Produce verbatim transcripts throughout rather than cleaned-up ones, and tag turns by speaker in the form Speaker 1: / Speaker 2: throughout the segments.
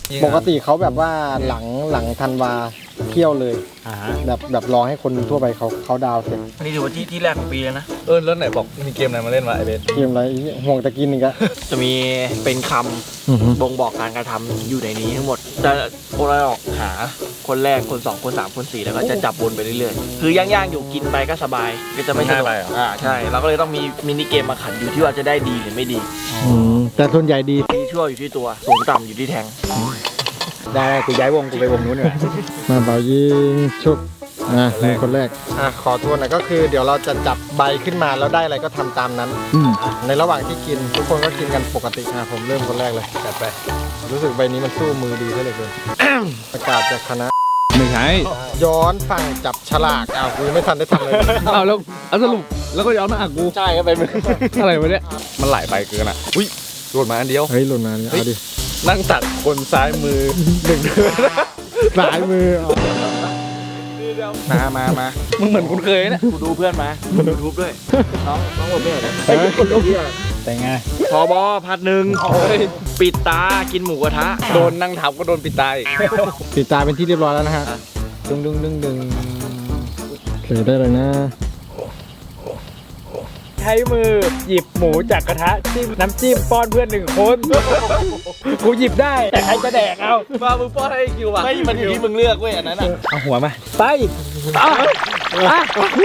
Speaker 1: ปกติเขาแบบว่าหลังหลังธันวาเที่ยวเลยแบบแบบรอให้คนทั่วไปเขาเขาดาวเสร็จ
Speaker 2: อันนี้ถือว่าที่ที่แรกของปีแล้วนะ
Speaker 3: เออแล้วไหนบอกมีเกมอะไรมาเล่นวะไอเบส
Speaker 1: เกมอะไรห่วงตะกินอีกอะ
Speaker 2: จะมีเป็นคำบ่งบอกการกระทำอยู่ในนี้ทั้งหมดจะโอลออกหาคนแรกคนสองคนสามคนสี่แล้วก็จะจับวนไปเรื่อยๆคือย่างย่างอยู่กินไปก็สบายก็จะไม่สนุกอ่าใช่เราก็เลยต้องมีมินิเกมมาขันอยู่ที่ว่าจะได้ดีหรือไม่ดี
Speaker 1: แต่ส่วนใหญ่ดี
Speaker 2: ดีชั่วอยู่ที่ตัวสูงต่ำอยู่ที่แทง
Speaker 3: ได้กูย้ายวงกูไปวงนู้นเลย
Speaker 1: มาเบายิงชุบอ่ะนี่คนแรกอ่ะขอทวนหน่อยก็คือเดี๋ยวเราจะจับใบขึ้นมาแล้วได้อะไรก็ทำตามนั้นในระหว่างที่กินทุกคนก็กินกันปกติอ่ะผมเริ่มคนแรกเลยจัดไปรู้สึกใบนี้มันสู้มือดีซะเหลือเกิน ประกาศจากคณะ
Speaker 3: ไม่ใช่
Speaker 1: ย้อนฝั่งจับฉลากอ้าวกูยังไม่ทันได้ทำเลย
Speaker 3: อ้าวแล้วเอาสรุปแล้วก็ย้อนมาอ่ะกู
Speaker 1: ใช่ก็ไปมือ
Speaker 3: อะไรวะเนี่ยมันหลายใบเกินอ่ะอุ้ยโดนมาอันเดียว
Speaker 1: เฮ้ยหล่นมาเนี่ยเอาดิ
Speaker 3: นั่งตักคนซ้ายมือหนึ่งเดือน
Speaker 1: สายมือเอา
Speaker 2: มามามา
Speaker 3: มึงเหมือนคุณเคยเนี่ย
Speaker 2: กูดูเพื่อนมาดูยูทูบด้วยน้องน้องหมดไม่เหรอ
Speaker 1: เฮ้ยคนลุก
Speaker 3: แต่ไง
Speaker 2: พอบอพัดหนึ่งปิดตากินหมูกระทะ
Speaker 3: โดนนั่งทับก็โดนปิดตาอีก
Speaker 1: ปิดตาเป็นที่เรียบร้อยแล้วนะฮะดึงดึงดึงดึงเขียได้เลยนะ
Speaker 4: ใช้มือหยิบหมูจากกระทะจิ้มน้ำจิ้มป้อนเพื่อนหนึ่งคน กูหยิบได้แต่ใครจะแดกเอา
Speaker 3: มามึงป้อนให้คิวอ่ะ
Speaker 2: ไม่มันอยู่ที่มึงเลือกเว้ยอันนั้นอ่ะ
Speaker 3: เอาหัวมา
Speaker 4: ไปอ่ะอ่ะ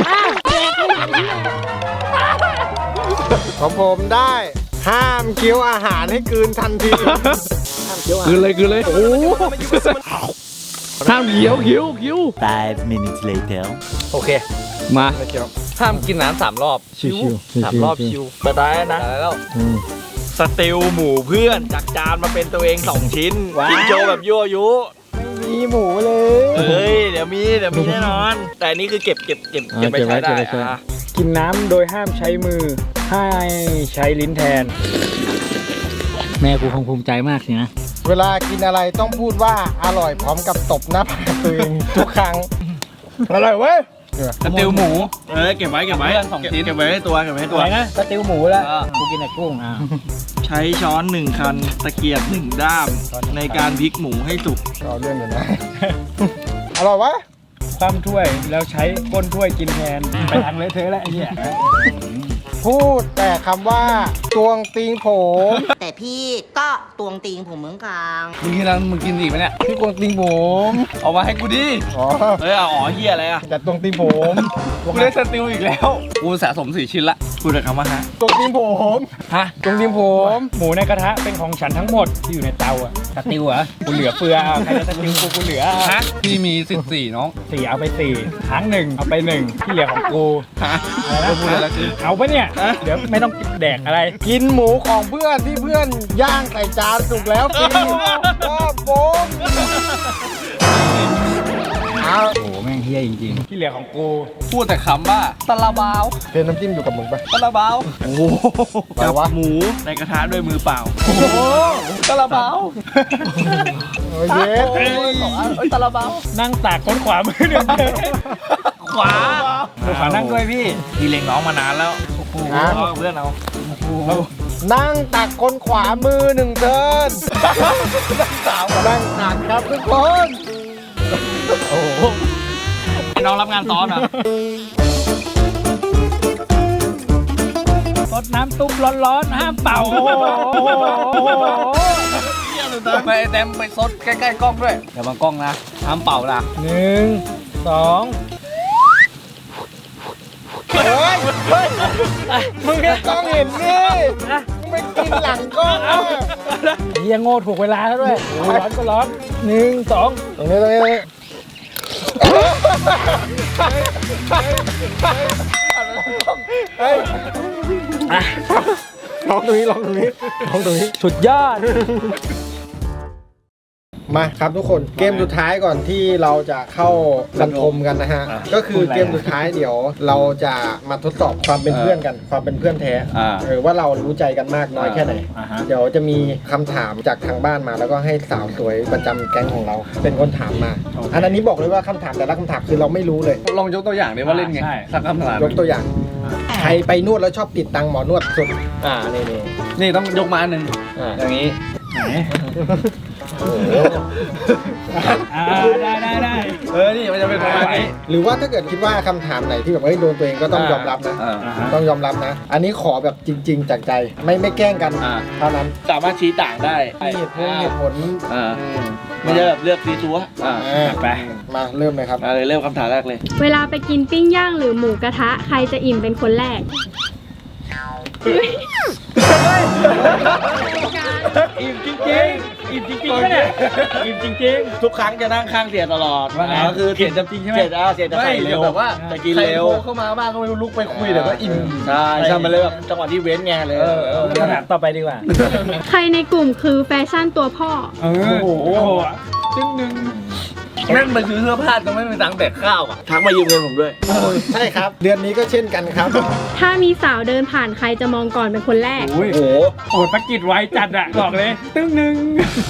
Speaker 1: ของผมได้ห้ามเคี้ยวอาหารให้กลืนทันที
Speaker 3: คืนเลยคืนเลยโอ้ห้ามเขียวเขียวเขียว
Speaker 5: Five minutes later.
Speaker 3: โอเคมาห้ามกินน้ำสามรอบ
Speaker 1: ชิวๆ
Speaker 3: สามรอบชิว
Speaker 2: เปิดได้นะ
Speaker 3: ตายแล้ว
Speaker 1: อืม
Speaker 2: สเตลหมูเพื่อนจากจานมาเป็นตัวเองสองชิ้นกินโชว์แบบยั่วยุ
Speaker 4: มีหมูเลย
Speaker 2: เฮ้ยเดี๋ยวมีเดี๋ยวมีแน่นอน แต่อันนี้คือเก็บเก็บเก็บเก็บไปใช้ได้อ่ะ
Speaker 4: กินน้ำโดยห้ามใช้มือให้ใช้ลิ้นแทน
Speaker 5: แม่กูคงภูมิใจมากสินะ
Speaker 1: เวลากินอะไรต้องพูดว่าอร่อยพร้อมกับตบหน้าผากตัวเองทุกครั้ง
Speaker 4: อร่อยเว้ย
Speaker 3: สติลหมู
Speaker 2: เออเก็บไว้เก็บไว้
Speaker 3: สองชิ้น
Speaker 2: เก็บไว้ให้ตัวเก็บไว้ให้
Speaker 4: ตั
Speaker 2: ตัว ว
Speaker 4: นะสติวหมูแล้วกูกินแต่กุ้งอ่ะ
Speaker 2: ใช้ช้อนหนึ่งคันตะเกียบหนึ่งด้ามในการพลิกหมูให้สุก
Speaker 1: เอาเรื่องอยู่นะ อร่อยวะ
Speaker 4: คว่ำถ้วยแล้วใช้ก้นถ้วยกินแทนไปทางเลอะเทอะแล้วไอ้เหี้ย
Speaker 1: พูดแต่คำว่าตวงติงผม
Speaker 6: แต่พี่ก็ตวงติงผมเหมือนกัน
Speaker 3: มึงกินอะไรมึงกินอีกไหมเนี่ย
Speaker 1: พี่ตวงติงผม
Speaker 3: เอามาให้กูดิ
Speaker 1: อ๋อ
Speaker 2: เฮ้ยเอาอ๋อเฮียอะไรอ่ะ
Speaker 1: จัดตวงติงผม
Speaker 3: กูได้สติลอีกแล้วกูสะสมสี่ชิ้นละ
Speaker 2: พูดแต่คำว่าฮะ
Speaker 1: ตวงติงผม
Speaker 2: ฮะ
Speaker 4: ตรงดิมผม หมูในกระทะเป็นของฉันทั้งหมดที่อยู่ในเตาอ่ะสติวเหรอกูเหลือเฟือเอาใครจะสติวกูกูเหลือ
Speaker 2: ฮะ
Speaker 3: พี่มีสิบสี่น้อง
Speaker 4: สี่เอาไปสี่ครั้งหนึ่งเอาไปหนึ่งที่เหลือของกู
Speaker 2: ฮะ
Speaker 4: อะไร
Speaker 3: ก็พูด
Speaker 4: นะ
Speaker 3: แล้วคือ
Speaker 4: เอาปะเนี่ย
Speaker 2: ฮะ
Speaker 4: เดี๋ยวไม่ต้องแดกอะไร
Speaker 1: กินหมูของเพื่อนที่เพื่อนย่างใส่จานสุกแล้วฟรีก็โบมเอา
Speaker 4: โอ้โหแม่งเฮี้ยจริงๆที่เหลือของกู
Speaker 3: พูดแต่คำว่าตะลาบาว
Speaker 1: เพนน้ำจิ้มอยู่กับมึงปะ
Speaker 3: ตะลาบาว
Speaker 2: โอ้โห
Speaker 1: อะไรวะ
Speaker 2: หมูในกระทะด้วยมือเปล่า
Speaker 3: โอ้โหตะลาบาว
Speaker 1: โอ้ยเย็ด
Speaker 3: เอ้ยตะลาบาว
Speaker 4: นั่งตากคนขวามือหนึ่ง
Speaker 2: ขวา
Speaker 4: คนขวานั่งด้วยพี่
Speaker 2: พี่เล็งน้องมานานแล้วเอาเพื่อนเอา
Speaker 1: นั่งตักคนขวามือหนึ่งเทินนั่งตักครับทุกคน
Speaker 2: ให้น้องรับงานซ้อนเหรอ
Speaker 4: รดน้ำตุ๊บร้อนๆห้ามเป่าโอ้โห
Speaker 3: ไปแดมไปซดใกล้ๆกล้องด้วยเดี๋ยวบางกล้องนะห้ามเป่านะ
Speaker 4: หนึ่งสอง
Speaker 1: เฮ้ยเฮ้ยมึงแค่กล้องเห็นนี่มึงไปกินหลังกล้องอ่ะ
Speaker 4: เฮียโง่ถูกเวลาแล้วด้วยโอ้ยร้อนก็ร้อนหนึ่งสอง
Speaker 1: ตรงนี้ตรงนี้ตรงนี้เฮ้ยลองตรงนี้ลองตรงนี้ลองตรงนี้
Speaker 4: สุดยอด
Speaker 1: มาครับทุกคนเกมสุดท้ายก่อนที่เราจะเข้าบรรทมกันนะฮะก็คือเกมสุดท้ายเดี๋ยวเราจะมาทดสอบความเป็นเพื่อนกันความเป็นเพื่อนแท้เออว่าเรารู้ใจกันมากน้อยแค่ไหนเดี๋ยวจะมีคำถามจากทางบ้านมาแล้วก็ให้สาวสวยประจำแก๊งของเรา เป็นคนถามมาอันนี้บอกเลยว่าคำถามแต่ละคำถามคือเราไม่รู้เลย
Speaker 3: ลองยกตัวอย่างดิว่าเล่นไงสักคำถาม
Speaker 1: ยกตัวอย่างใครไปนวดแล้วชอบติดตังค์หมอนวดสุดอ่านี่นี่
Speaker 3: นี่ต้องยกมาอันหนึ่ง
Speaker 1: อ่า
Speaker 3: อย่างนี้
Speaker 4: ไหนอ่าได้ได้ได้
Speaker 2: เออนี่มันจะเป็นประมาณนี้
Speaker 1: หรือว่าถ้าเกิดคิดว่าคำถามไหนที่แบบเฮ้ยโดนตัวเองก็ต้องยอมรับนะ
Speaker 2: อ่า
Speaker 1: ต้องยอมรับนะ อันนี้ขอแบบจริง ๆ จากใจไม่ไม่แกล้งกัน
Speaker 2: อ่า
Speaker 1: เท่านั้น
Speaker 2: สามารถชี้ต่างได้
Speaker 1: มีเหตุผลเหตุผล
Speaker 2: อ่าไม่ใช่แบบเลือกซีซัวอ่า
Speaker 1: อ่า
Speaker 4: ไป
Speaker 1: มาเริ่มเลยครับ
Speaker 2: มาเลยเริ่มคำถามแรกเลย
Speaker 7: เวลาไปกินปิ้งย่างหรือหมูกระทะ ใครจะอิ่มเป็นคนแรก
Speaker 4: อิ่มจริงๆอิ่มจริงๆปะเนี่ยอิ่มจริง
Speaker 2: ทุกครั้งจะนั่งข้างเสียตลอด
Speaker 4: ว่าไง
Speaker 2: ก็คือ
Speaker 4: เสียจริงๆใช่ไหม
Speaker 2: เสียอ่าเสียจะใส่เร็ว
Speaker 4: แบบว่า
Speaker 2: จะกินเร็วเข้ามาบ้างก็ไม่รู้ลุกไปคุยเดี๋ยวก็อิ่มใช่ใช่มันเลยแบบจังหวะที่เว้นไงเลย
Speaker 4: ๆคำถามต่อไปดีกว่า
Speaker 7: ใครในกลุ่มคือแฟชั่นตัวพ่อ
Speaker 4: เออโอ้โหจึงหนึ่ง
Speaker 2: แม่งไปซื้อเสื้อผ้าต้องไม่มีตังค์แดกข้าวอ่ะทักมายืมเงินผมด้วย
Speaker 1: ใช่ครับ เดือนนี้ก็เช่นกันครับ
Speaker 7: ถ้ามีสาวเดินผ่านใครจะมองก่อนเป็นคนแรก
Speaker 4: โอ้ย
Speaker 2: โอ้โห
Speaker 4: โอดประกิจไว้จัดอะบอกเลย ตึ้งหนึ่ง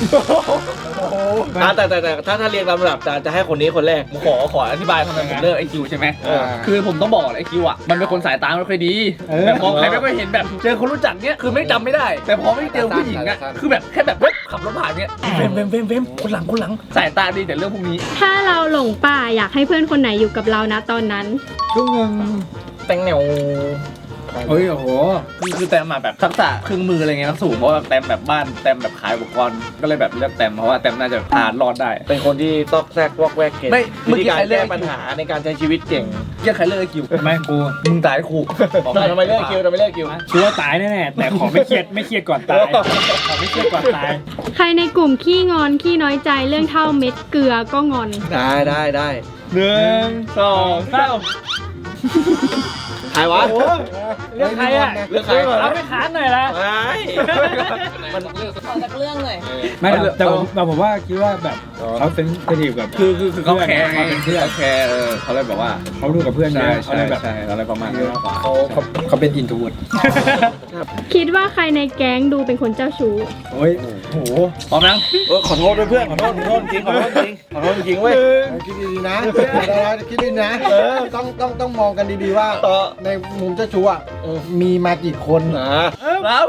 Speaker 2: อ่ะแต่แต่แต่ถ้าถ้าเรียงลำดับจะจะให้คนนี้คนแรกขอขออธิบายทำไมผมเลือกไอคิวใช่ไหม
Speaker 1: เออ
Speaker 2: คือผมต้องบอกไอคิวอ่ะมันเป็นคนสายตาไม่ค่อยดีแบบมองใครไม่ค่อยเห็นแบบเจอคนรู้จักเนี้ยคือไม่จำไม่ได้ แต่พอไม่เจอผู้หญิงอ่ะคือแบบแค่แบบเว้ยขับรถผ่านเนี้ยเฟมเฟมเฟมเฟมคนหลังคนหลังสายตาดีแต่เรื่องพวกนี้
Speaker 7: ถ้าเราหลงป่าอยากให้เพื่อนคนไหนอยู่กับเรานะตอนนั้น
Speaker 4: ตึ้งหนึ่ง
Speaker 2: แตงแนว
Speaker 4: เฮ้ยโอ้โห
Speaker 2: คือคือแตมมาแบบทักษะเครื่องมืออะไรเงี้ยสูงเพราะว่าแตมแบบบ้านแตมแบบขายอุปกรณ์ก็เลยแบบเลือกแตมเพราะว่าแตมน่าจะผ่านรอดได้ เป็นคนที่ตอกแซกวอกแวกเก่ง
Speaker 4: ไม่
Speaker 2: วิธีการแก้ปัญหาในการใช้ชีวิตเก่งเรียกใครเลือกไอคิว
Speaker 4: ทำไมกู
Speaker 2: มึงตายครูทำไมเลือกคิวทำไมเลือกคิว
Speaker 4: ชัวร์ตายแน่ๆแต่ขอไม่เครียดไม่เครียดก่อนตายขอไม่เครียดก่อนตาย
Speaker 7: ใครในกลุ่มขี้งอนขี้น้อยใจเรื่องเท่าเม็ดเกลือก็งอน
Speaker 2: ได้ได้ได้หนึ่งสองสามใครวะ
Speaker 4: เรื่องใครอะ
Speaker 2: เลือกใคร
Speaker 4: เอาไปขานหน่อยละ
Speaker 2: ไม่มัน
Speaker 4: ไม่แต่ผมแต่ผมว่าคิดว่าแบบเขาเป็นเซนซิทีฟกับ
Speaker 2: คือคือคือเขาแคร์ไง
Speaker 4: เขาเป็นเพื่อน
Speaker 2: เขาแคร์เออเขาเลยแบบว่า
Speaker 4: เขาดูกับเพื่อนเย
Speaker 2: ใช่
Speaker 4: อะเขา
Speaker 2: ใช่
Speaker 4: เลยแบบ
Speaker 2: ใช่อะไรประมาณนี้มากกว่า
Speaker 1: เขาเขาเขาเป็นอินทูด
Speaker 7: คิดว่าใครในแก๊งดูเป็นคนเจ้าชู้
Speaker 4: โอ้ยโห
Speaker 2: พร้อมนะเออขอโทษด้วยเพื่อนขอโทษขอโทษจริงขอโทษจริงขอโทษจริงเว้ย
Speaker 1: คิดดีๆนะคิดดีๆนะเออต้องต้องต้องมองกันดีๆว่า
Speaker 2: ต่อ
Speaker 1: ในมุมเจ้าชู้อ่ะมีมากี่คน
Speaker 2: นะเรา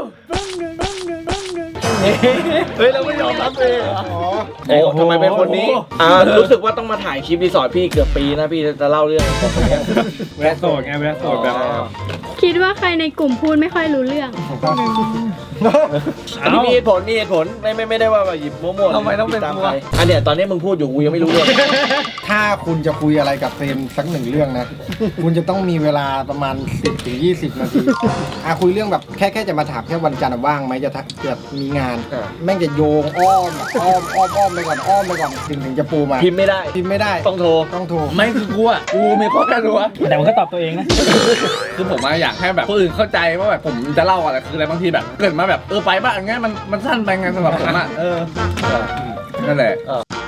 Speaker 2: เฮ้ยเราไม่ยอมรับเลย
Speaker 1: อ๋อ
Speaker 2: โอ้ทำไมเป็นคนนี้อ่ารู้สึกว่าต้องมาถ่ายคลิปรีสอร์ทพี่เกือบปีนะพี่จะเล่าเรื่อง
Speaker 4: เวลาโสดไงเวลาโสดแบบ
Speaker 7: คิดว่าใครในกลุ่มพูดไม่ค่อยรู้เรื่อง
Speaker 2: อันนี้มีเหตุผลมีเหตุผลไม่ไม่ไม่ได้ว่าแบบหยิบมั่วๆทำไมต้องเป็นมั่วอันเนี้ยตอนนี้มึงพูดอยู่กูยังไม่รู้เรื่อง
Speaker 1: ถ้าคุณจะคุยอะไรกับเฟรมสักหนึ่งเรื่องนะ คุณจะต้องมีเวลาประมาณ สิบถึงยี่สิบ นาทีอ่ะคุยเรื่องแบบแค่แค่จะมาถามแค่วันจันทร์ว่างไหมจะทักเกิดมีงาน แม่งจะโยงอ้อมแบบอ้อมอ้อมอ้อมไปก่อนอ้อมไปก่อนถึงถึงจะปูมา
Speaker 2: พิมพ์ไม่ได้
Speaker 1: พิมพ์ไม่ได้
Speaker 2: ต้องโทร
Speaker 1: ต้องโทร
Speaker 2: ไม่คือกูอ่ะกูมีข้อแก้ตัว
Speaker 4: แต่มันก็ตอบตัวเองนะ
Speaker 2: คือผมอยากให้แบบคนอื่นเข้าใจว่าแบบผมจะเล่าอะไรคืออะไรบางทีแบบเกิดมาแบบเออไปบ้างงั้นมันมันสั้นไปไงสำหรับผมอ่ะเออนั่นแหละ